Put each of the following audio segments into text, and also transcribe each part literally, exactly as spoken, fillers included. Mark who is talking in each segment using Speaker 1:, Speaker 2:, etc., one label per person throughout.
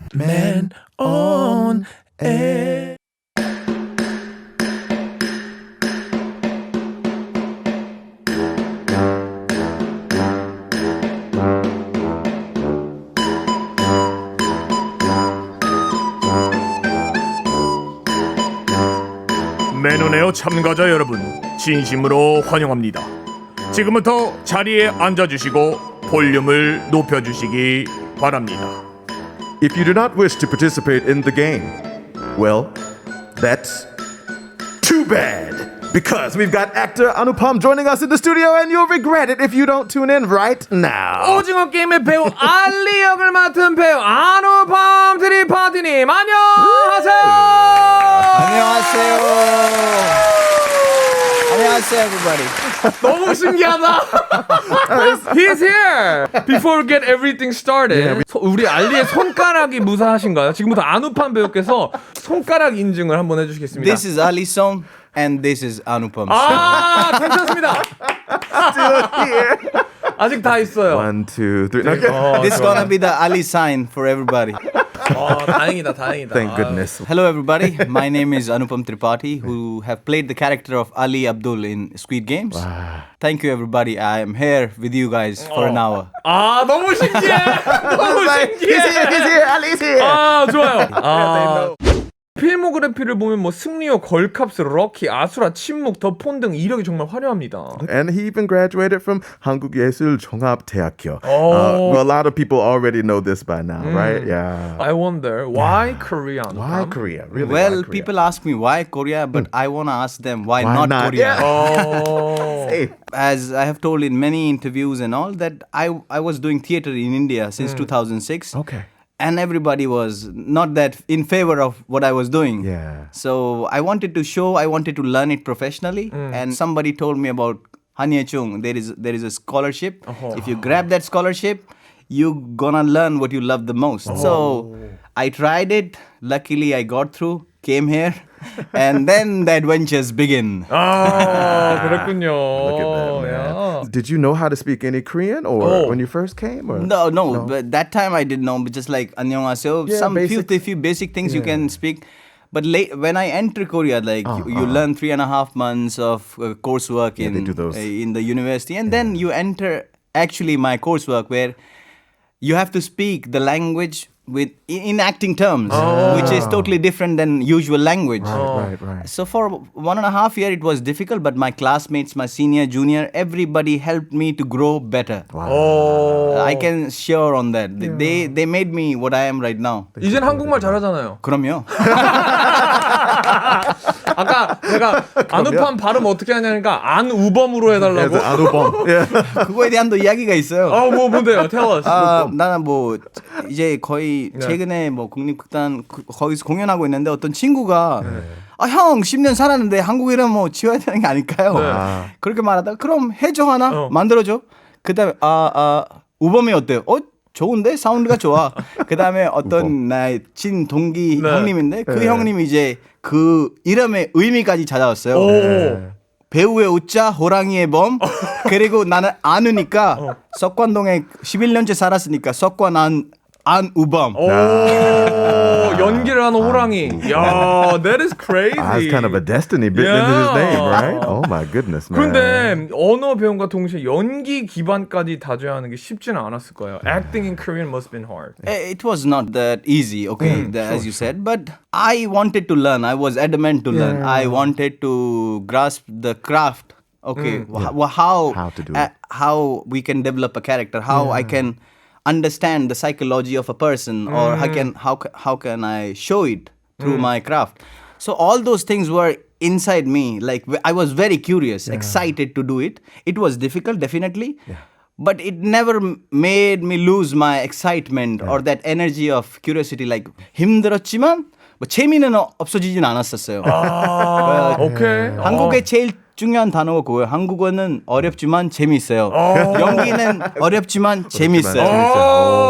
Speaker 1: Man on air. 맨온에어 참가자 여러분, 진심으로 환영합니다. 지금부터 자리에 앉아주시고 볼륨을 높여주시기 바랍니다.
Speaker 2: If you do not wish to participate in the game, well, that's too bad. Because we've got actor Anupam joining us in the studio, and you'll regret it if you don't tune in right now.
Speaker 1: 오징어 게임의 배우 알리 역을 맡은 배우 아누팜 트리파티님 안녕하세요.
Speaker 3: 안녕하세요. 안녕하세요, everybody.
Speaker 1: 너무 신기하다. He's here. Before we get everything started, 소, 우리 알리의 손가락이 무사하신가요? 지금부터 아누팜 배우께서 손가락 인증을 한번 해주시겠습니다.
Speaker 3: This is Ali Song and this is Anupam.
Speaker 1: 아, 괜찮습니다. 아직 다 있어요.
Speaker 2: One, two, three. Okay.
Speaker 1: 어,
Speaker 3: This is gonna be the Ali sign for everybody.
Speaker 1: 어, 다행이다, 다행이다.
Speaker 2: Thank goodness.
Speaker 3: Hello, everybody. My name is Anupam Tripathi, who have played the character of Ali Abdul in Squid Games.
Speaker 2: Wow.
Speaker 3: Thank you, everybody. I am here with you guys for an hour.
Speaker 1: 아, 너무 신기해. 너무 신기해.
Speaker 2: He's here, he's here, Ali's here.
Speaker 1: 아, 좋아요. 아, 필모그래피를 보면 뭐 승리호, 걸캅스, 럭키, 아수라, 침묵, 더 폰 등 이력이 정말 화려합니다.
Speaker 2: And he even graduated from 한국예술종합대학교.
Speaker 1: Oh.
Speaker 2: Uh, well, a lot of people already know this by now, right? Yeah.
Speaker 1: I wonder why Korea?
Speaker 2: Why Korea? Really?
Speaker 3: Well,
Speaker 2: why Korea?
Speaker 3: people ask me why Korea, but I wanna ask them why,
Speaker 2: Why
Speaker 3: not,
Speaker 2: not?
Speaker 3: Korea.
Speaker 2: Yeah.
Speaker 1: 어.
Speaker 2: Hey.
Speaker 3: As I have told in many interviews and all that I I was doing theater in India since two thousand six.
Speaker 2: Okay.
Speaker 3: And everybody was not that in favor of what I was doing.
Speaker 2: Yeah.
Speaker 3: So I wanted to show, I wanted to learn it professionally. And somebody told me about Hanyechung. There is there is a scholarship. If you grab that scholarship, you gonna learn what you love the most. So I tried it. Luckily, I got through. Came here, and then the adventures begin.
Speaker 1: 아, 그렇군요.
Speaker 2: Look at that, man.
Speaker 1: 야.
Speaker 2: Did you know how to speak any Korean or
Speaker 1: Oh.
Speaker 2: when you first came? Or?
Speaker 3: No, no, but that time I didn't know. But just like 안녕하세요,
Speaker 2: Yeah,
Speaker 3: some few,
Speaker 2: basics.
Speaker 3: few basic things you can speak. But late when I enter Korea, like you, you learn three and a half months of uh, coursework in
Speaker 2: they do those.
Speaker 3: uh, in the university, and then you enter actually my coursework where you have to speak the language with in acting terms, which is totally different than usual language.
Speaker 2: Right, right, right.
Speaker 3: So for one and a half year, it was difficult, but my classmates, my senior, junior, everybody helped me to grow better.
Speaker 1: 어.
Speaker 3: I can sure on that. They they made me what I am right now.
Speaker 1: 이젠 한국말 잘하잖아요.
Speaker 3: 그럼요.
Speaker 1: 아까 내가 아누팜 발음 어떻게 하냐니까 안우범으로 해달라고.
Speaker 2: As an Anupam. Yeah.
Speaker 3: 그거에 대한 또 이야기가 있어요.
Speaker 1: 아, 뭐 뭔데요? Tell us.
Speaker 3: 아, 나는 뭐 이제 거의 최근에 뭐 국립극단 그- 거기서 공연하고 있는데 어떤 친구가 아, 형 십 년 살았는데 한국 이름 뭐 지어야 되는 게 아닐까요?
Speaker 2: 아.
Speaker 3: 그렇게 말하다가 그럼 해줘 하나
Speaker 1: 어.
Speaker 3: 만들어줘. 그다음에 아, 아 우범이 어때요? 어 좋은데 사운드가 좋아. 그다음에 어떤 나의 친 동기
Speaker 1: 네.
Speaker 3: 형님인데 그
Speaker 2: 네.
Speaker 3: 형님이 이제 그 이름의 의미까지 찾아왔어요.
Speaker 1: 오.
Speaker 3: 배우의 우자 호랑이의 범 그리고 나는 안우니까 석관동에 십일 년째 살았으니까 석관 안 안우범.
Speaker 1: 오, 연기를 하는 호랑이. 야, that is crazy.
Speaker 2: Ah, it's kind of a destiny bitten into his name, right? Oh my goodness, man.
Speaker 1: 그런데 언어 배움과 동시에 연기 기반까지 다져야 하는 게 쉽지는 않았을 거예요. Acting in Korean must have been hard.
Speaker 3: Eh, It was not that easy, okay, the- as you said, but I wanted to learn. I was adamant to learn. I wanted to grasp the craft. Okay, wh- wh- how
Speaker 2: How to do
Speaker 3: uh,
Speaker 2: it.
Speaker 3: how we can develop a character, how I can understand the psychology of a person, or how can how ca- how can I show it through my craft. So all those things were inside me. Like w- I was very curious, excited to do it. It was difficult, definitely. But it never m- made me lose my excitement or that energy of curiosity. Like 힘들었지만 뭐 재미는 어- 없어지진 않았었어요.
Speaker 1: 아, 오케이.
Speaker 3: 한국의 제일 중요한 단어가 그거예요. 한국어는 어렵지만 재미있어요. 연기는 어렵지만 재미있어요.
Speaker 1: 어.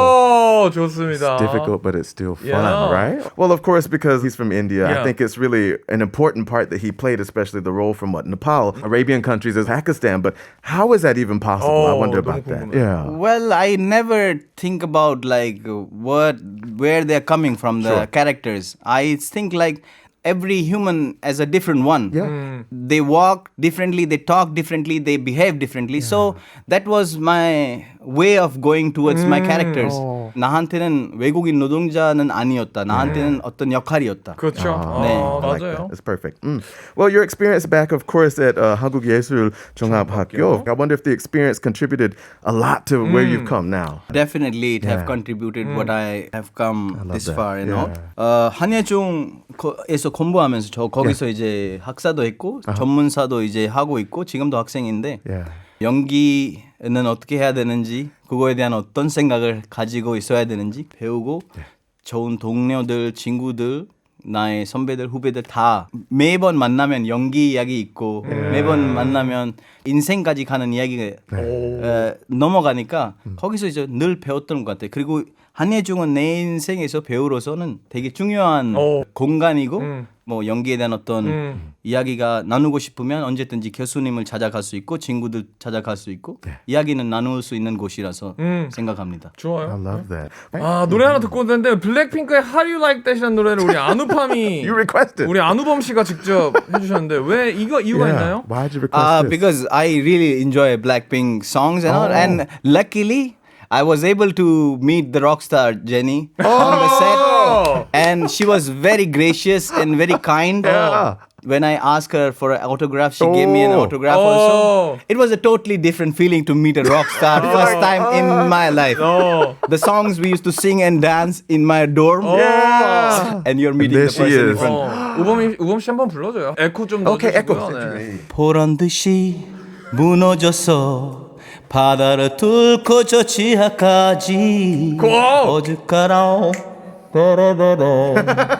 Speaker 1: 오, 좋습니다.
Speaker 2: Difficult, but it's still fun,
Speaker 1: Yeah.
Speaker 2: right? Well, of course, because he's from India,
Speaker 1: Yeah.
Speaker 2: I think it's really an important part that he played, especially the role from what Nepal, Arabian countries, is Pakistan. But how is that even possible? I
Speaker 1: Oh,
Speaker 2: wonder
Speaker 1: 너무
Speaker 2: about that.
Speaker 1: 궁금해.
Speaker 2: Yeah.
Speaker 3: Well, I never think about like what where they're coming from, the
Speaker 2: Sure.
Speaker 3: characters. I think like every human as a different one.
Speaker 2: Yeah.
Speaker 1: Mm.
Speaker 3: They walk differently, they talk differently, they behave differently. So that was my way of going towards my characters.
Speaker 2: 어.
Speaker 3: 나한테는 외국인 노동자는 아니었다. 나한테는 어떤 역할이었다.
Speaker 1: 그렇죠.
Speaker 2: Ah,
Speaker 3: 네.
Speaker 1: 어,
Speaker 2: I like
Speaker 1: 맞아요.
Speaker 2: that. It's perfect. Mm. Well, your experience back, of course, at uh, 한국예술종합학교. I wonder if the experience contributed a lot to where you've come now.
Speaker 3: Definitely, it
Speaker 2: Yeah.
Speaker 3: have contributed what I have come
Speaker 2: love
Speaker 3: this
Speaker 2: that.
Speaker 3: far, you
Speaker 2: Yeah.
Speaker 3: know. 어, 한예종에서 공부하면서 저 거기서 이제 학사도 했고 전문사도 이제 하고 있고 지금도 학생인데
Speaker 2: Yeah.
Speaker 3: 연기는 어떻게 해야 되는지 그거에 대한 어떤 생각을 가지고 있어야 되는지 배우고 좋은 동료들, 친구들, 나의 선배들, 후배들 다 매번 만나면 연기 이야기 있고 매번 만나면 인생까지 가는 이야기가 어, 넘어가니까 거기서 이제 늘 배웠던 것 같아요. 그리고 한예종은 내 인생에서 배우로서는 되게 중요한
Speaker 1: 오.
Speaker 3: 공간이고
Speaker 1: 음.
Speaker 3: 뭐 연기에 대한 어떤
Speaker 1: 음.
Speaker 3: 이야기가 나누고 싶으면 언제든지 교수님을 찾아갈 수 있고 친구들 찾아갈 수 있고 이야기는 나눌 수 있는 곳이라서
Speaker 1: 음.
Speaker 3: 생각합니다.
Speaker 2: I
Speaker 1: 좋아요.
Speaker 2: love that.
Speaker 1: 아 노래 하나 듣고 오는데 블랙핑크의 How You Like That이라는 노래를 우리 안우팜이
Speaker 2: You requested.
Speaker 1: 우리 안우범 씨가 직접 해주셨는데 왜 이거 이유가
Speaker 2: Yeah.
Speaker 1: 있나요?
Speaker 2: Why'd you request
Speaker 3: Uh,
Speaker 2: this?
Speaker 3: because I really enjoy Blackpink songs and all,
Speaker 2: Oh.
Speaker 3: and luckily I was able to meet the rock star Jennie on the
Speaker 1: Oh.
Speaker 3: set, and she was very gracious and very kind.
Speaker 2: Yeah.
Speaker 3: When I asked her for an autograph, she gave me an
Speaker 2: Oh.
Speaker 3: autograph
Speaker 1: Oh.
Speaker 3: also. It was a totally different feeling to meet a rock star first time in my life.
Speaker 1: 어.
Speaker 3: The songs we used to sing and dance in my dorm,
Speaker 2: Yeah.
Speaker 3: and you're meeting
Speaker 2: there
Speaker 3: the
Speaker 2: she
Speaker 3: person in
Speaker 2: is.
Speaker 3: front.
Speaker 1: 어. 우범이 우범 씨 한번 불러줘요. 에코 좀
Speaker 2: Okay, echo.
Speaker 1: 넣어주시고요. 네.
Speaker 3: 보란 듯이 무너졌어 바다를 뚫고 저 지하까지
Speaker 1: 고!
Speaker 3: 어죽가라 따라라라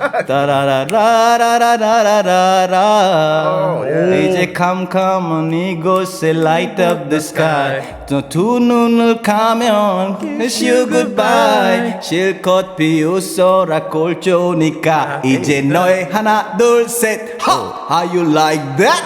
Speaker 3: 따라라라라라라라 이제 캄캄한 이곳에 light up the sky 두 눈을 감면 kiss you goodbye 실컷 비웃어라 꼴조니까 이제 너의 하나 둘셋 How you like that?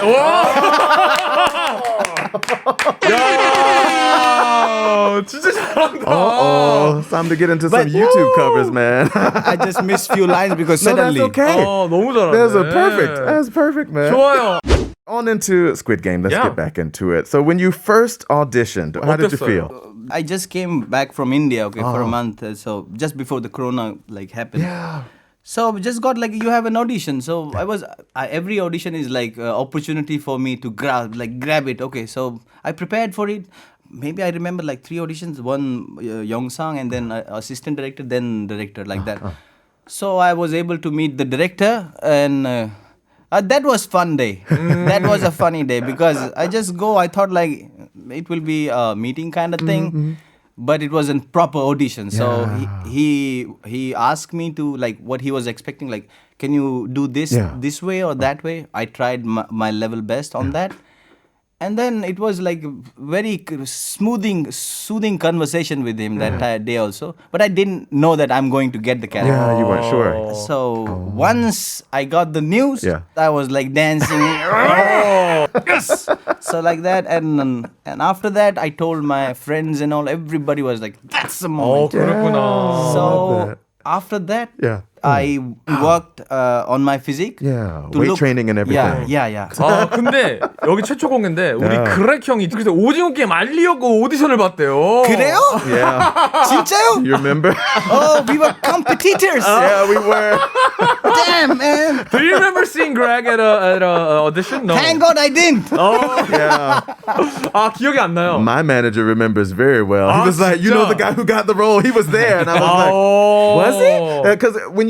Speaker 1: 야, 진짜 잘한다.
Speaker 2: Oh, it's time to get into some
Speaker 3: But-
Speaker 2: YouTube covers, man.
Speaker 3: I just missed few lines because
Speaker 2: No, that's
Speaker 3: suddenly
Speaker 2: okay.
Speaker 1: 어, 너무 잘하네.
Speaker 2: That's a perfect. That's perfect, man.
Speaker 1: 좋아요.
Speaker 2: On into Squid Game. Let's
Speaker 1: Yeah.
Speaker 2: get back into it. So, when you first auditioned, how did you
Speaker 1: 어땠어요?
Speaker 2: feel?
Speaker 3: I just came back from India, okay, for a
Speaker 2: Oh.
Speaker 3: month. uh, So just before the corona like happened.
Speaker 2: Yeah.
Speaker 3: So just got like you have an audition. So I was I, every audition is like uh, opportunity for me to grab like grab it. Okay, so I prepared for it. Maybe I remember like three auditions, one uh, Yongsang and then uh, assistant director, then director like that. So I was able to meet the director and. Uh, Uh, that was fun day. That was a funny day because I just go. I thought like it will be a meeting kind of thing, but it wasn't proper audition. So he, he he asked me to like what he was expecting. Like, can you do this
Speaker 2: Yeah.
Speaker 3: this way or that way? I tried my, my level best on that. And then it was like very c- smoothing, soothing conversation with him that uh, day also. But I didn't know that I'm going to get the character.
Speaker 2: Yeah, you weren't sure.
Speaker 3: So once I got the news,
Speaker 2: Yeah.
Speaker 3: I was like dancing. Yes. So like that, and um, and after that, I told my friends and all. Everybody was like, "That's the
Speaker 1: 어,
Speaker 3: moment."
Speaker 1: 그렇구나.
Speaker 3: So
Speaker 2: that.
Speaker 3: after that,
Speaker 2: Yeah.
Speaker 3: I worked uh, on my physique.
Speaker 2: Yeah,
Speaker 3: to
Speaker 2: weight training and everything.
Speaker 3: Yeah, yeah, yeah.
Speaker 1: 아 근데 여기 최초 공개인데 우리
Speaker 2: 야.
Speaker 1: 그렉 형이 그래서 오징어 게임 알리려고 오디션을 봤대요.
Speaker 3: 그래요?
Speaker 2: Yeah.
Speaker 3: 진짜요?
Speaker 2: You remember?
Speaker 3: Oh, we were competitors.
Speaker 2: Yeah, we were.
Speaker 3: Damn, man.
Speaker 1: Do you remember seeing Greg at a at a audition? No.
Speaker 3: Thank God I didn't.
Speaker 1: 어,
Speaker 2: Yeah.
Speaker 1: 아 기억이 안 나요.
Speaker 2: My manager remembers very well. He
Speaker 1: 아,
Speaker 2: was like, you know
Speaker 1: 진짜?
Speaker 2: the guy who got the role? He was there. And I was like,
Speaker 1: 어.
Speaker 2: was he? Because when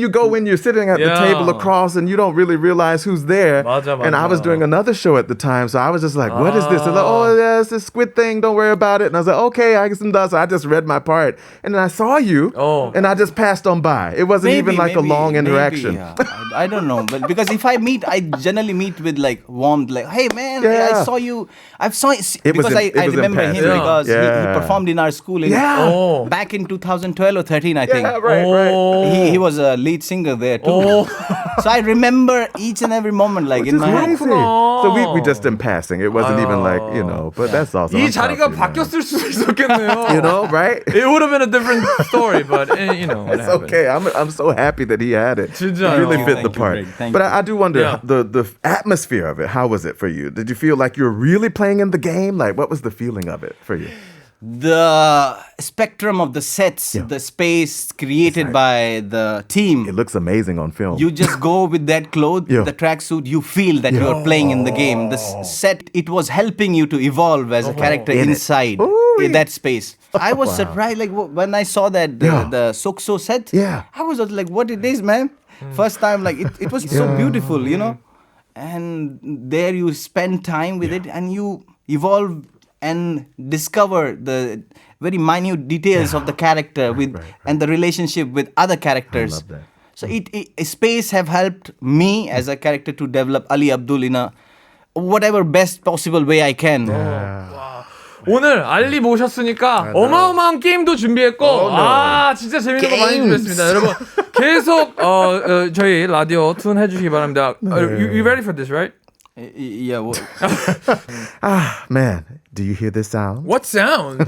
Speaker 2: you go in, you're sitting at the
Speaker 1: Yeah.
Speaker 2: table across, and you don't really realize who's there.
Speaker 1: 맞아,
Speaker 2: And I was
Speaker 1: 맞아.
Speaker 2: doing another show at the time, so I was just like, "What is this?" They're like,
Speaker 1: Ah.
Speaker 2: "Oh, yeah, it's this squid thing. Don't worry about it." And I was like, "Okay, I guess I'm done." So I just read my part, and then I saw you,
Speaker 1: Oh.
Speaker 2: and I just passed on by. It wasn't even like a long interaction.
Speaker 3: Maybe, yeah. I, I don't know, but because if I meet, I generally meet with like warmth, like, "Hey man,
Speaker 2: Yeah.
Speaker 3: I saw you. I've saw it."
Speaker 2: It was
Speaker 3: because
Speaker 2: in-
Speaker 3: I,
Speaker 2: it
Speaker 3: I
Speaker 2: was in
Speaker 3: remember him
Speaker 2: passing.
Speaker 3: because he, he
Speaker 2: Yeah.
Speaker 3: performed in our school in
Speaker 2: Yeah.
Speaker 1: Oh.
Speaker 3: back in two thousand twelve or thirteen, I think.
Speaker 2: Yeah, right, right.
Speaker 1: Oh.
Speaker 3: He, he was a lead singer there too.
Speaker 1: Oh.
Speaker 3: So I remember each and every moment, like
Speaker 2: Which
Speaker 3: in
Speaker 2: is
Speaker 3: my head.
Speaker 2: crazy. So we, we just in passing. It wasn't even like, you know, but that's awesome.
Speaker 1: 이
Speaker 2: I'm proud
Speaker 1: 자리가
Speaker 2: of you, man.
Speaker 1: 바뀌었을 수도 있었겠네요.
Speaker 2: You know, right?
Speaker 1: It would have been a different story, but eh, you know. what
Speaker 2: It's
Speaker 1: happened.
Speaker 2: okay. I'm I'm so happy that he had it.
Speaker 1: 진짜요.
Speaker 2: He really
Speaker 1: Thank
Speaker 2: fit
Speaker 3: you,
Speaker 2: the
Speaker 3: thank you,
Speaker 2: part.
Speaker 3: Greg. Thank
Speaker 2: But
Speaker 3: you.
Speaker 2: I, I do wonder
Speaker 1: Yeah.
Speaker 2: the the atmosphere of it. How was it for you? Did you feel like you were really playing in the game? Like, what was the feeling of it for you?
Speaker 3: The spectrum of the sets, the space created by the team.
Speaker 2: It looks amazing on film.
Speaker 3: You just go with that cloth,
Speaker 2: Yeah.
Speaker 3: the tracksuit, you feel that you are playing in the game. The s- set, it was helping you to evolve as a character
Speaker 2: In it.
Speaker 3: inside
Speaker 2: Ooh-wee.
Speaker 3: in that space. I was surprised, like w- when I saw that, the,
Speaker 2: Yeah.
Speaker 3: the Sokso set,
Speaker 2: Yeah.
Speaker 3: I was like, what it is, man? First time, like, it, it was so beautiful, you know? And there you spend time with it and you evolve and discover the very minute details of the character with and the relationship with other characters.
Speaker 2: love that.
Speaker 3: So it, it space have helped me as a character to develop Ali Abdul in a whatever best possible way I can.
Speaker 1: 오늘 알리 모셨으니까 어마어마한 게임도 준비했고 아 진짜 재밌는 거 많이 준비했습니다. 여러분 계속 어, 어, 저희 라디오 툰 해주시기 바랍니다. Uh, you, you ready for this, right?
Speaker 3: Y- y- Yeah. Well,
Speaker 2: Ah, man, do you hear this sound?
Speaker 1: What sound?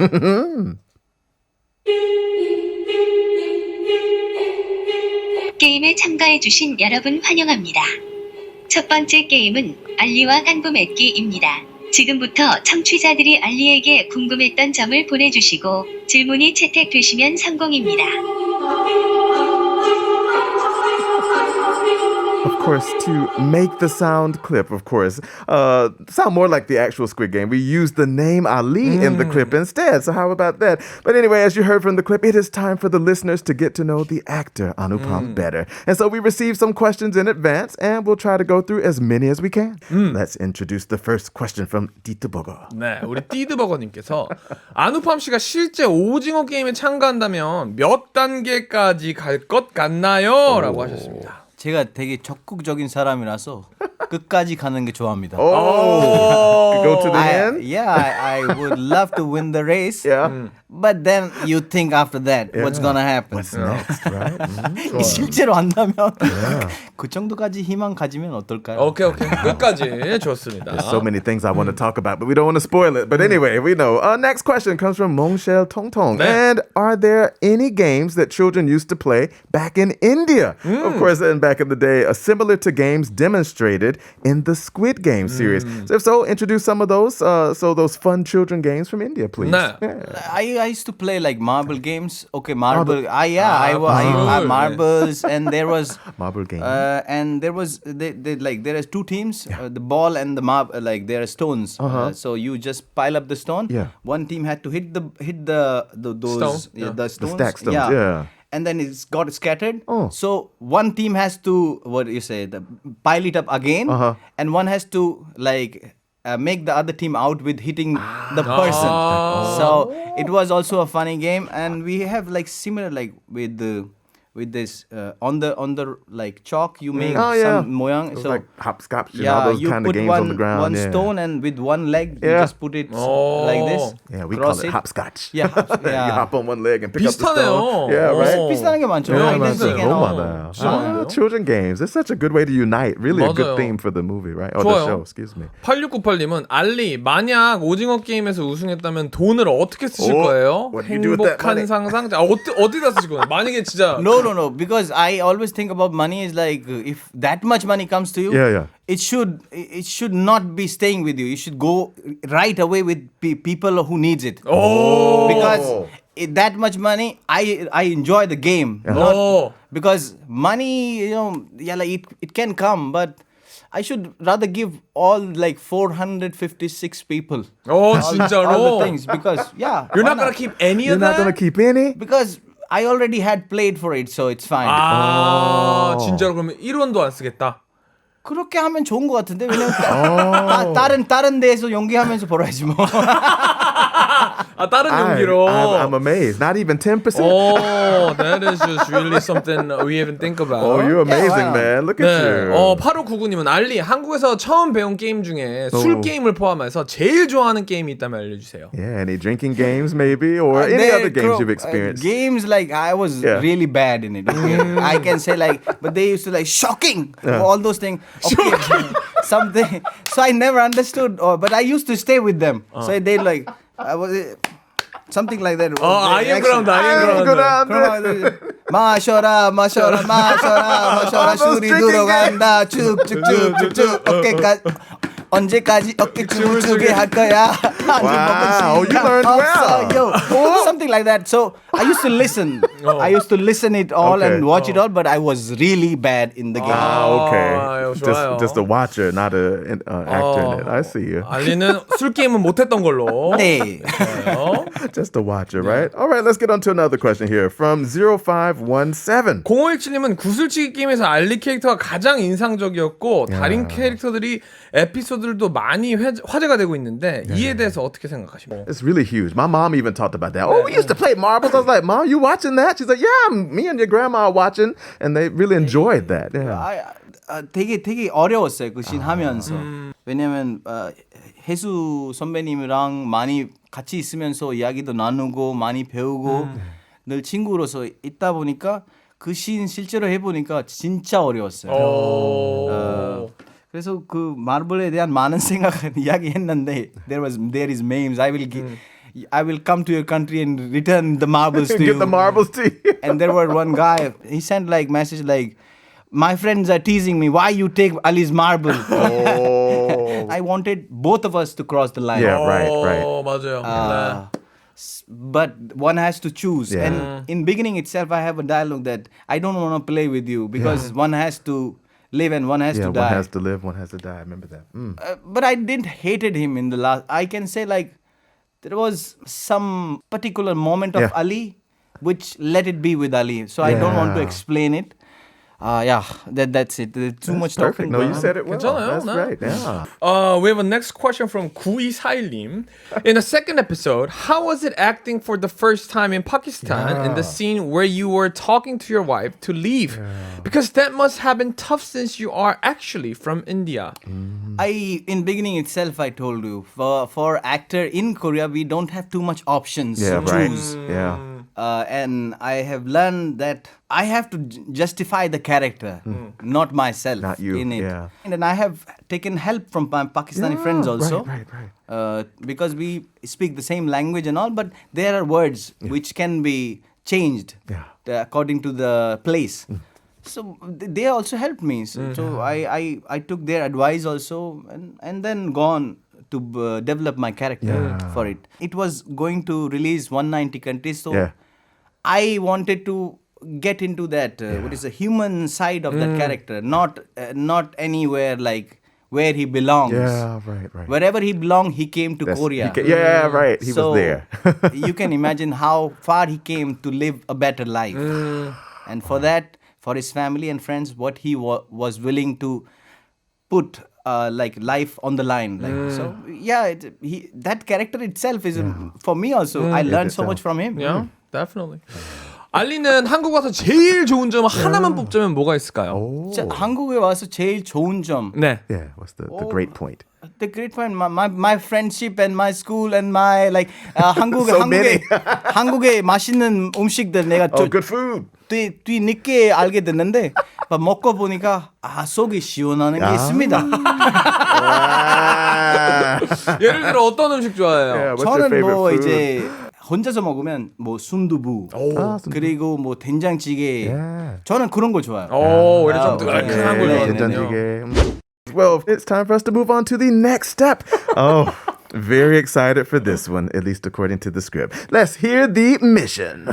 Speaker 4: 게임에 참가해주신 여러분 환영합니다. 첫 번째 게임은 알리와 간부 맺기입니다. 지금부터 청취자들이 알리에게 궁금했던 점을 보내주시고 질문이 채택되시면 성공입니다.
Speaker 2: Of course, to make the sound clip, of course, uh, sound more like the actual Squid Game. We used the name Ali in the clip instead. So how about that? But anyway, as you heard from the clip, it is time for the listeners to get to know the actor Anupam better. And so we received some questions in advance, and we'll try to go through as many as we can. Let's introduce the first question from Dieter Bogo.
Speaker 1: 네, 우리 띠드버거님께서 아누팜 씨가 실제 오징어 게임에 참가한다면 몇 단계까지 갈 것 같나요? 라고 하셨습니다.
Speaker 3: 제가 되게 적극적인 사람이라서 끝까지 가는 게 좋아합니다.
Speaker 2: Oh, go to the
Speaker 3: I,
Speaker 2: end?
Speaker 3: yeah, I, I would love to win the race.
Speaker 2: Yeah.
Speaker 3: But then you think after that, what's gonna happen?
Speaker 2: What's next, right? Mhm.
Speaker 3: 실제로 안다면 그 정도까지 희망 가지면 어떨까요?
Speaker 1: 오케이 오케이 끝까지 좋습니다.
Speaker 2: There's so many things I want to talk about, but we don't want to spoil it. But anyway, we know. Uh, next question comes from Mongshel Tongtong.
Speaker 1: 네.
Speaker 2: And are there any games that children used to play back in India? Of course, and back in the day, uh, similar to games demonstrated in the Squid Game series. So if so, introduce some of those. Uh, so those fun children games from India, please.
Speaker 1: 네.
Speaker 3: I, I used to play like marble games. Okay, marble. Ah, yeah, I, wa- I, I
Speaker 1: marble.
Speaker 3: marbles, and there was
Speaker 2: Marble game.
Speaker 3: Uh, and there was they, they like there is two teams, uh, the ball and the marble. Like there are stones. Uh, so you just pile up the stone.
Speaker 2: Yeah.
Speaker 3: One team had to hit the hit the, the those
Speaker 1: Stone,
Speaker 3: yeah,
Speaker 1: yeah.
Speaker 3: the
Speaker 2: The
Speaker 3: stones.
Speaker 2: stack stones, yeah.
Speaker 3: And then it's got scattered.
Speaker 2: Oh.
Speaker 3: So one team has to what do you say the pile it up again,
Speaker 2: Uh-huh.
Speaker 3: and one has to like. Uh, make the other team out with hitting the person. So it was also a funny game, and we have like similar like with the with this uh, on the on the like chalk you make
Speaker 2: Oh, yeah.
Speaker 3: some moyang.
Speaker 2: It was
Speaker 3: So
Speaker 2: like hopscotch and all
Speaker 3: yeah,
Speaker 2: those
Speaker 3: you
Speaker 2: kind of
Speaker 3: put
Speaker 2: games
Speaker 3: one
Speaker 2: on the ground.
Speaker 3: one
Speaker 2: yeah.
Speaker 3: stone and with one leg you
Speaker 2: Yeah.
Speaker 3: just put it
Speaker 1: Oh.
Speaker 3: like this.
Speaker 2: Yeah, we
Speaker 3: cross
Speaker 2: call it, hopscotch.
Speaker 3: Yeah, hop-
Speaker 2: you
Speaker 3: yeah.
Speaker 2: hop on one leg and pick up the
Speaker 1: 비슷하네요.
Speaker 2: stone. Yeah, right?
Speaker 1: 어.
Speaker 3: 비슷한 게 많죠.
Speaker 2: Yeah,
Speaker 3: hide and
Speaker 2: 맞아요.
Speaker 3: seek and
Speaker 2: Oh,
Speaker 3: all.
Speaker 2: 맞아요.
Speaker 1: 진짜
Speaker 2: Ah,
Speaker 1: 많네요.
Speaker 2: children games. It's such a good way to unite. Really a good
Speaker 1: 맞아요.
Speaker 2: theme for the movie, right? Or
Speaker 1: 좋아요.
Speaker 2: the show, excuse me.
Speaker 1: 팔육구팔님은 알리 만약 오징어 게임에서 우승했다면 돈을 어떻게 쓰실
Speaker 2: 오,
Speaker 1: 거예요?
Speaker 2: what do you do with that money?
Speaker 1: 행복한 상상. 아, 어디 어디다 쓰실 거예요? 만약에 진짜
Speaker 3: No, no, no. Because I always think about money is like uh, if that much money comes to you,
Speaker 2: Yeah, yeah.
Speaker 3: it should it should not be staying with you. You should go right away with pe- people who needs it.
Speaker 1: Oh.
Speaker 3: Because it, that much money, I I enjoy the game. Not,
Speaker 1: Oh.
Speaker 3: because money, you know, yeah, like it, it can come, but I should rather give all like four hundred fifty-six people.
Speaker 1: 어
Speaker 3: all,
Speaker 1: 진짜로.
Speaker 3: all the things because yeah.
Speaker 1: You're
Speaker 3: why
Speaker 1: not gonna keep any
Speaker 2: You're
Speaker 1: of
Speaker 2: not
Speaker 1: that.
Speaker 2: going to keep any?
Speaker 3: because I already had played for it, so it's fine.
Speaker 1: 아, 진짜로 그러면 일 원도 안 쓰겠다.
Speaker 3: 그렇게 하면 좋은 것 같은데 왜냐면 따, 다른 다른 데에서 연기하면서 벌어야지 뭐.
Speaker 1: 아, 다른
Speaker 2: I,
Speaker 1: 용기로.
Speaker 2: I'm, I'm amazed. Not even ten percent.
Speaker 1: Oh, that is just really something we haven't think about.
Speaker 2: Oh, you're amazing,
Speaker 3: wow.
Speaker 2: man. Look at
Speaker 1: 네.
Speaker 2: you.
Speaker 1: 어, 팔오구구님은 알리, 한국에서 처음 배운 게임 중에 술 게임을 포함해서 제일 좋아하는 게임이 있다면 알려주세요.
Speaker 2: Yeah, any drinking games maybe or any
Speaker 3: There,
Speaker 2: other games
Speaker 3: Crow,
Speaker 2: you've
Speaker 3: uh,
Speaker 2: experienced?
Speaker 3: games like I was
Speaker 2: Yeah.
Speaker 3: really bad in it. Okay? I can say like, but they used to like shocking all those things. Okay, something. So I never understood, or but I used to stay with them. So they like, I was something like that.
Speaker 1: 어, 아이엠 그라운드, 아이엠 그라운드.
Speaker 3: 그럼 마셔라 마셔라 마셔라 마셔라
Speaker 2: All those
Speaker 3: 술이
Speaker 2: drinking
Speaker 3: 들어간다 쭉쭉쭉쭉쭉 어깨까지 언제까지 어깨춤을 추게 할 거야.
Speaker 2: Wow, you learned well.
Speaker 3: well. Something like that. So I used to listen. I used to listen it all
Speaker 2: Okay.
Speaker 3: and watch it all, but I was really bad in the game.
Speaker 2: Ah, okay.
Speaker 1: 아, 좋아요.
Speaker 2: Just, just a watcher, not a uh, actor in it. I see you.
Speaker 1: 알리는 술 게임은 못했던 걸로.
Speaker 3: 네.
Speaker 1: 좋아요.
Speaker 2: Just a watcher, right? All right, let's get on to another question here from zero five one seven.
Speaker 1: 공오일칠님은 구슬치기 게임에서 알리 캐릭터가 가장 인상적이었고 다른 캐릭터들이 에피소드들도 많이 회, 화제가 되고 있는데 이에 대해서 어떻게 생각하십니까?
Speaker 2: It's really huge. My mom even talked about that. Oh, we used to play marbles. I was like, Mom, you watching that? She's like, yeah, me and your grandma are watching. And they really enjoyed that. Yeah.
Speaker 3: 아, 아, 되게 되게 어려웠어요 그 씬 하면서. 왜냐면 어, 혜수 선배님이랑 많이 같이 있으면서 이야기도 나누고 많이 배우고 늘 친구로서 있다 보니까 그 씬 실제로 해보니까 진짜 어려웠어요. 어, 그래서 그 마블에 대한 많은 생각을 이야기했는데 there was there is memes. I will give, I will come to your country and return the marbles to you.
Speaker 2: Get the marbles to you.
Speaker 3: And there were one guy, he sent like message like, my friends are teasing me, why you take Ali's marble?
Speaker 2: Oh.
Speaker 3: I wanted both of us to cross the line.
Speaker 2: Yeah, right, right.
Speaker 1: 어, 맞아요.
Speaker 3: Uh, s- but one has to choose.
Speaker 2: Yeah.
Speaker 3: And in beginning itself, I have a dialogue that I don't want to play with you because one has to live and one has
Speaker 2: Yeah,
Speaker 3: to
Speaker 2: one
Speaker 3: die.
Speaker 2: has to live, one has to die. I remember that. Mm.
Speaker 3: Uh, but I didn't hated him in the last. I can say like there was some particular moment of
Speaker 2: Yeah.
Speaker 3: Ali, which let it be with Ali. So I don't want to
Speaker 2: Yeah.
Speaker 3: explain it. Uh, yeah, that that's it. There's too much
Speaker 2: Perfect.
Speaker 3: talking.
Speaker 2: No, you
Speaker 3: going on.
Speaker 2: said it well.
Speaker 1: 괜찮아요,
Speaker 2: That's
Speaker 1: 네.
Speaker 2: right. Yeah.
Speaker 1: Uh, we have a next question from 구이사일님. In the second episode, how was it acting for the first time in Pakistan in the scene where you were talking to your wife to leave? Because that must have been tough since you are actually from India.
Speaker 3: I in beginning itself I told you for for actor in Korea we don't have too much options
Speaker 2: Yeah,
Speaker 3: to
Speaker 2: right.
Speaker 3: choose.
Speaker 2: Yeah.
Speaker 3: Uh, and I have learned that I have to j- justify the character, not myself
Speaker 2: Not you,
Speaker 3: in it.
Speaker 2: yeah.
Speaker 3: And then I have taken help from my Pakistani
Speaker 2: Yeah,
Speaker 3: friends also,
Speaker 2: right, right, right.
Speaker 3: Uh, because we speak the same language and all, but there are words which can be changed
Speaker 2: Yeah.
Speaker 3: uh, according to the place. So th- they also helped me. So, so I, I I took their advice also, and and then gone to uh, develop my character
Speaker 2: Yeah.
Speaker 3: for it. It was going to release one hundred ninety countries, so
Speaker 2: Yeah.
Speaker 3: I wanted to get into that uh, what is the human side of that character, not uh, not anywhere like where he belongs.
Speaker 2: Yeah, right, right.
Speaker 3: Wherever he belonged, he came to
Speaker 2: That's-
Speaker 3: Korea.
Speaker 2: he ca- yeah, right. He
Speaker 3: So,
Speaker 2: was there.
Speaker 3: you can imagine how far he came to live a better life. And for that, for his family and friends, what he wa- was willing to put uh, like life on the line. Like so, yeah. It, he that character itself is for me also. I learned so
Speaker 2: itself.
Speaker 3: much from him.
Speaker 1: Yeah, definitely. 알리는 한국 와서 제일 좋은 점 하나만 뽑자면 뭐가 있을까요?
Speaker 3: 자, 한국에 와서 제일 좋은 점.
Speaker 1: 네.
Speaker 2: Yeah, what's the, the great point?
Speaker 3: The great point, my, my, my friendship and my school and my like uh, 한국
Speaker 2: So
Speaker 3: 한국의
Speaker 2: many.
Speaker 3: 한국의 맛있는 음식들 내가
Speaker 2: Oh,
Speaker 3: 좀
Speaker 2: good food.
Speaker 3: 뒤, 뒤 늦게 알게 됐는데 막 먹고 보니까 아 속이 시원하는 게 있습니다.
Speaker 2: Ah.
Speaker 1: 예를 들어 어떤 음식
Speaker 2: Yeah,
Speaker 1: 좋아해요?
Speaker 2: what's your
Speaker 3: 저는
Speaker 2: favorite
Speaker 3: 뭐
Speaker 2: food?
Speaker 3: 이제 혼자서 먹으면 뭐 순두부
Speaker 2: 아, 순두부.
Speaker 3: 그리고 뭐 된장찌개
Speaker 2: Yeah.
Speaker 3: 저는 그런 거 좋아해요.
Speaker 1: 오, 오히려 좀
Speaker 3: 아,
Speaker 1: 뜨끈한
Speaker 3: 네,
Speaker 1: 걸
Speaker 3: 네,
Speaker 1: 좋아하는군요.
Speaker 2: 된장찌개. Well, it's time for us to move on to the next step. Oh, very excited for this one, at least according to the script. Let's hear the mission.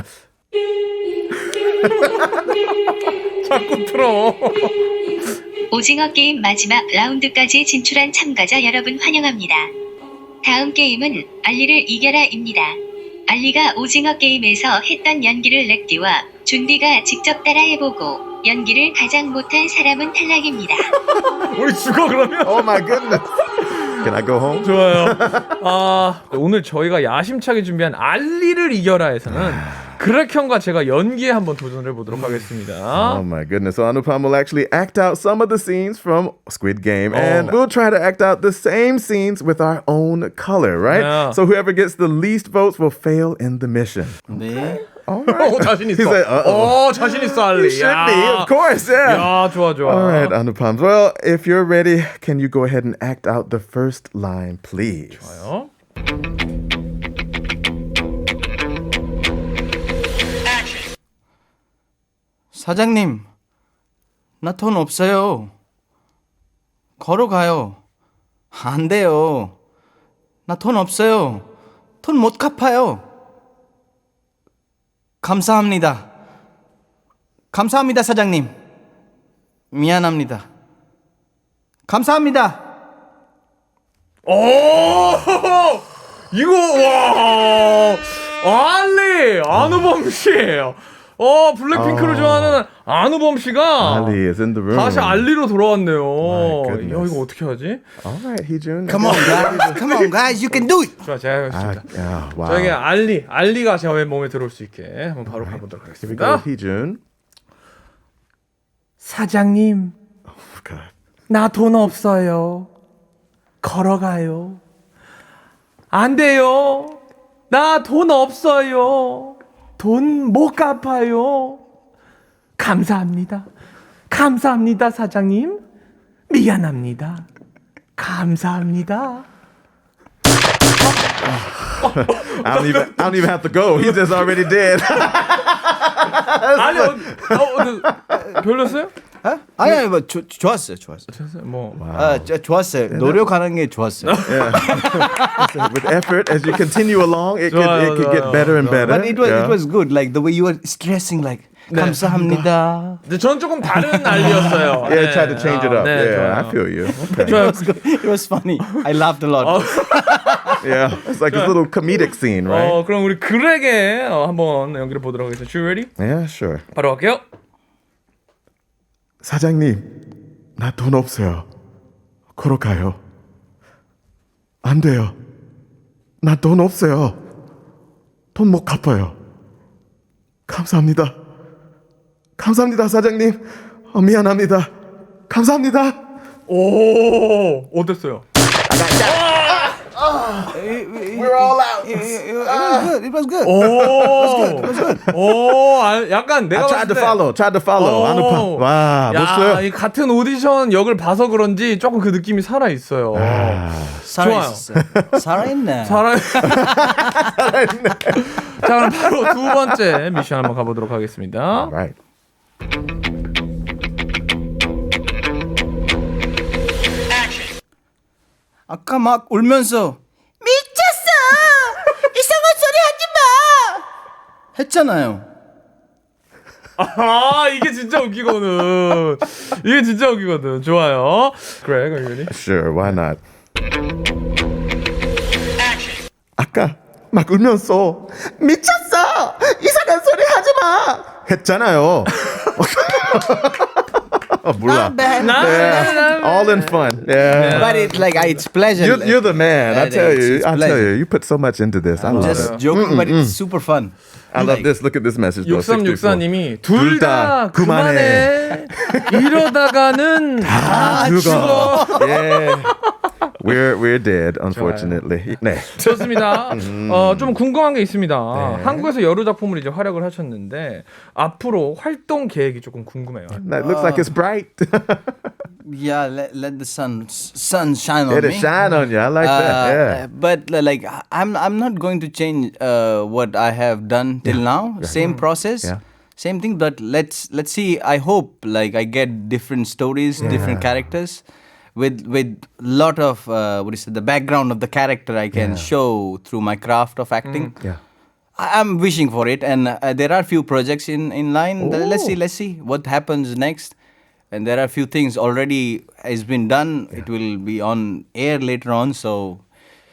Speaker 1: 자꾸 틀어.
Speaker 4: 오징어 게임 마지막 라운드까지 진출한 참가자 여러분 환영합니다. 다음 게임은 알리를 이겨라입니다. 알리가 오징어 게임에서 했던 연기를 렉디와 준비가 직접 따라해보고 연기를 가장 못한 사람은 탈락입니다.
Speaker 1: 우리 죽어 그러면.
Speaker 2: Oh my goodness. Can I go home?
Speaker 1: 좋아요. 아, 오늘 저희가 야심차게 준비한 알리를 이겨라에서는 그렉형과 제가 연기에 한번 도전을 해보도록 하겠습니다.
Speaker 2: Oh my goodness. So Anupam will actually act out some of the scenes from Squid Game.
Speaker 1: Oh.
Speaker 2: And we'll try to act out the same scenes with our own color, right?
Speaker 1: Yeah.
Speaker 2: So whoever gets the least votes will fail in the mission.
Speaker 3: 네.
Speaker 2: All right.
Speaker 1: 오, 자신 있어.
Speaker 2: He said, uh-oh.
Speaker 1: 오, 자신 있어, 알리.
Speaker 2: You should be, of course, yeah.
Speaker 1: 야, 좋아, 좋아.
Speaker 2: All right, Anupam. Well, if you're ready, can you go ahead and act out the first line, please?
Speaker 1: 좋아요.
Speaker 3: 사장님, 나 돈 없어요. 걸어가요. 안 돼요. 나 돈 없어요. 돈 못 갚아요. 감사합니다. 감사합니다, 사장님. 미안합니다. 감사합니다.
Speaker 1: 오! 이거, 와! 알리! 안우범 씨! 어, 블랙핑크를
Speaker 2: 어.
Speaker 1: 좋아하는 안우범 씨가
Speaker 2: Ali is in the room.
Speaker 1: 다시 알리로 돌아왔네요.
Speaker 2: My
Speaker 1: 야,
Speaker 2: goodness.
Speaker 1: 이거 어떻게 하지?
Speaker 2: All right, Heejun.
Speaker 3: Come on, guys. Come on, guys. You can do it.
Speaker 1: 좋아, 제가
Speaker 2: Ah,
Speaker 1: 하겠습니다.
Speaker 2: yeah, wow.
Speaker 1: 저에게 알리, 알리가 제 몸에 들어올 수 있게 한번 바로 가보도록
Speaker 2: Here we go,
Speaker 1: 하겠습니다.
Speaker 2: Heejun.
Speaker 1: 사장님,
Speaker 2: Oh, God.
Speaker 1: 나 돈 없어요. 걸어가요. 안 돼요. 나 돈 없어요. 돈 못 갚아요. 감사합니다. 감사합니다, 사장님. 미안합니다. 감사합니다.
Speaker 2: I don't even. I don't even have to go. He's just already dead.
Speaker 1: 아니, 어, 어, 어, 별로였어요?
Speaker 3: 어? 아니, 아니, 뭐 조, 좋았어요, 좋았어요.
Speaker 1: 뭐.
Speaker 3: 아, 저, 좋았어요. 노력하는 게 좋았어요.
Speaker 2: With effort, as you continue along, it could it could get better and better.
Speaker 3: But it was
Speaker 2: Yeah.
Speaker 3: it was good. Like the way you were stressing, like 감사합니다.
Speaker 1: 근데 전 조금 다른 알리였어요.
Speaker 2: Yeah, try to change it up.
Speaker 1: 네,
Speaker 2: yeah,
Speaker 1: 좋아요.
Speaker 2: I feel you. Okay.
Speaker 3: It was good. It was funny. I laughed a lot.
Speaker 2: Yeah, it's like this little comedic scene, right?
Speaker 1: 어, 그럼 우리 그렉의 어, 한번 연기를 보도록 하겠습니다. You ready?
Speaker 2: Yeah, sure.
Speaker 1: 바로 갈게요.
Speaker 2: 사장님, 나 돈 없어요. 걸어가요. 안 돼요. 나 돈 없어요. 돈 못 갚아요. 감사합니다. 감사합니다, 사장님. 어, 미안합니다. 감사합니다.
Speaker 1: 오, 어땠어요?
Speaker 2: We're all out.
Speaker 3: It was good. It was good.
Speaker 1: 오, 오, 아, 약간 내가
Speaker 2: I tried to
Speaker 1: 봤을 때
Speaker 2: follow. Tried to follow.
Speaker 1: 오.
Speaker 2: 안우파. 와,
Speaker 1: 야,
Speaker 2: 멋있어요.
Speaker 1: 이 같은 오디션 역을 봐서 그런지 조금 그 느낌이 살아 있어요.
Speaker 3: 살아있었어요. 살아있네.
Speaker 1: 살아. 자, 그럼 바로 두 번째 미션 한번 가보도록 하겠습니다.
Speaker 2: Right.
Speaker 3: 아까 막 울면서 미쳤어. 이상한 소리 하지 마. 했잖아요.
Speaker 1: 아, 이게 진짜 웃기거든. 이게 진짜 웃기거든. 좋아요. 그래, are you ready?
Speaker 2: Sure, why not? 아까 막 울면서 미쳤어! 이상한 소리 하지 마! 했잖아요. 어, 몰라.
Speaker 3: bad.
Speaker 2: Yeah. All in fun. Yeah.
Speaker 3: But it's like I, it's pleasure.
Speaker 2: You're, you're the man. I
Speaker 3: Yeah,
Speaker 2: tell
Speaker 3: it's-
Speaker 2: you.
Speaker 3: it's
Speaker 2: I tell
Speaker 3: pleasure.
Speaker 2: you. You put so much into this. I love
Speaker 3: just
Speaker 2: it.
Speaker 3: joking, but it's super fun.
Speaker 2: I love this. Look at this message. though.
Speaker 1: 육삼육사님이
Speaker 2: 둘
Speaker 1: 둘
Speaker 2: 다
Speaker 1: 다 그만해. 이러다가는 다 죽어.
Speaker 2: Yeah. We're we're dead, unfortunately. 네.
Speaker 1: 좋습니다. 어, 좀 궁금한 게 있습니다. 한국에서 여러 작품을 이제 활약을 하셨는데 앞으로 활동 계획이 조금 궁금해요.
Speaker 2: That looks like it's bright.
Speaker 3: Yeah, let, let the sun sun shine on
Speaker 2: Let
Speaker 3: me.
Speaker 2: it shine on you. I like
Speaker 3: Uh,
Speaker 2: that. Yeah.
Speaker 3: But uh, like I'm I'm not going to change uh, what I have done till now. Same process.
Speaker 2: Yeah.
Speaker 3: Same thing, but let's let's see. I hope like I get different stories, different characters, with with lot of uh, what is it? The background of the character I can show through my craft of acting.
Speaker 2: Yeah.
Speaker 3: I- I'm wishing for it, and uh, there are few projects in in line. Let's see, let's see what happens next. And there are few things already has been done. It will be on air later on, so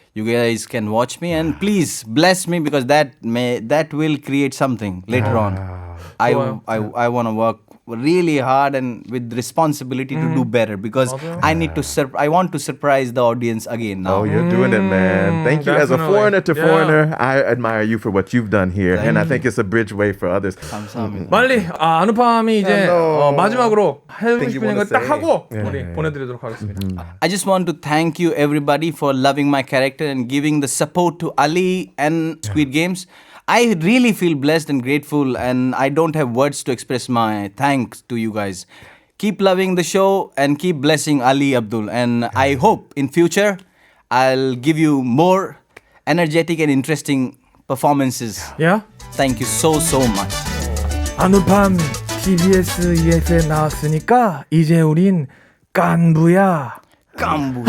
Speaker 3: you guys can watch me and please bless me because that may that will create something later on. I
Speaker 1: 좋아요.
Speaker 3: I I want to work really hard and with responsibility to do better because I need to sur- I want to surprise the audience again now.
Speaker 2: Oh, you're doing it, man. Thank you. As a
Speaker 1: definitely.
Speaker 2: foreigner to
Speaker 1: Yeah.
Speaker 2: foreigner, I admire you for what you've done here. And I think it's a bridge way for others.
Speaker 3: 감사합니다.
Speaker 1: 빨리 아, 아누팜이 이제
Speaker 2: Hello.
Speaker 1: 어, 마지막으로 하고
Speaker 2: Think you
Speaker 1: 싶은
Speaker 2: wanna
Speaker 1: 거 딱
Speaker 2: say?
Speaker 1: 하고
Speaker 2: Yeah.
Speaker 1: 우리 보내드리도록 하겠습니다.
Speaker 3: I just want to thank you everybody for loving my character and giving the support to Ali and Squid Games. I really feel blessed and grateful and I don't have words to express my thanks to you guys. Keep loving the show and keep blessing Ali Abdul and I hope in future I'll give you more energetic and interesting performances.
Speaker 1: 야,
Speaker 3: Thank you so so much.
Speaker 1: 아누팜 티비에스 이에프에 나왔으니까 이제 우린 깐부야.
Speaker 3: 깐부.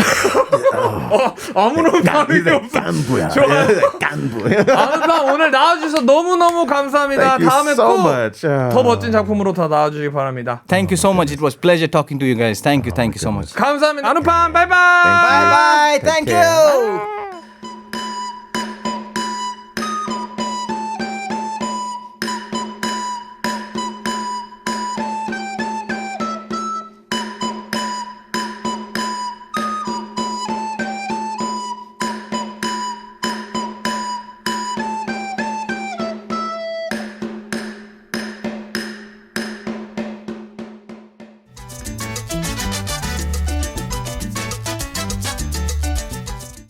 Speaker 1: 아무런 반응이 없어.
Speaker 2: 깐부야.
Speaker 1: 좋아요.
Speaker 2: 깐부.
Speaker 1: 아누팜 오늘 나와주셔서 너무너무 감사합니다.
Speaker 2: Thank you
Speaker 1: 다음에
Speaker 2: so
Speaker 1: 꼭
Speaker 2: much. 아.
Speaker 1: 더 멋진 작품으로 더 나와주시기 바랍니다.
Speaker 3: Thank you so much. It was pleasure talking to you guys. Thank you. Thank you so much.
Speaker 1: 감사합니다. 아누팜 바이바이.
Speaker 3: Bye bye. Thank
Speaker 2: care.
Speaker 3: you.